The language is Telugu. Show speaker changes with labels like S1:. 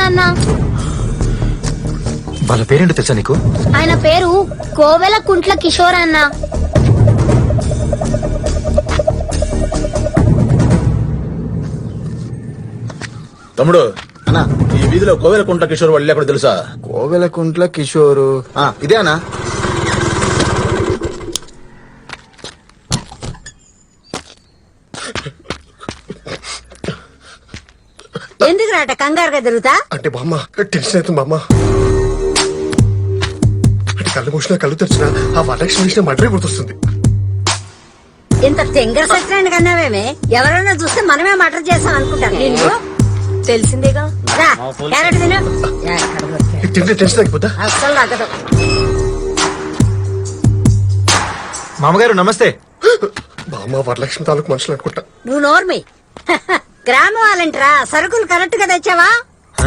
S1: వచ్చిందన్నా.
S2: వాళ్ళ పేరేంటో తెలుసా నీకు?
S1: ఆయన పేరు కోవెల కుంట్ల కిషోర్ అన్న.
S3: తమ్ముడు అన్నా, ఈ వీధిలో కోవెల కుంట్ల కిషోర్ వాళ్ళు ఎక్కడ తెలుసా?
S2: కోవెల కుంట్ల కిషోరు
S3: ఇదే అన్నా.
S4: ఎందుకు రాట కంగారుగా తిరుగుతా?
S5: అంటే బామ్మ టెన్షన్ అవుతుంది బామ్మ. అంటే కళ్ళు మూసినా కళ్ళు తెరిచినా ఆ వరలక్ష్మి విషయం మడ్రే గుర్తొస్తుంది.
S4: ఇంత తెంగర సత్యాన్ని కన్నావేమే? ఎవరైనా చూస్తే మనమే మటర్ చేస్తాం అనుకుంటాను. నిన్ను
S6: తెలిసిందేగా.
S4: రా, క్యారెట్ తిను. ఎక్కడ దొరికాడు?
S5: తింటే టెన్షన్ తగ్గిపోతా.
S4: అస్సలు తగ్గదు.
S2: మామగారు నమస్తే.
S5: బామ్మ వరలక్ష్మి తాలూకు మనుషులు అనుకుంటా.
S4: నువ్వు నోర్మి. గ్రామ వాళ్ళంటరా, సరుకులు కరెక్ట్ గా తెచ్చావా?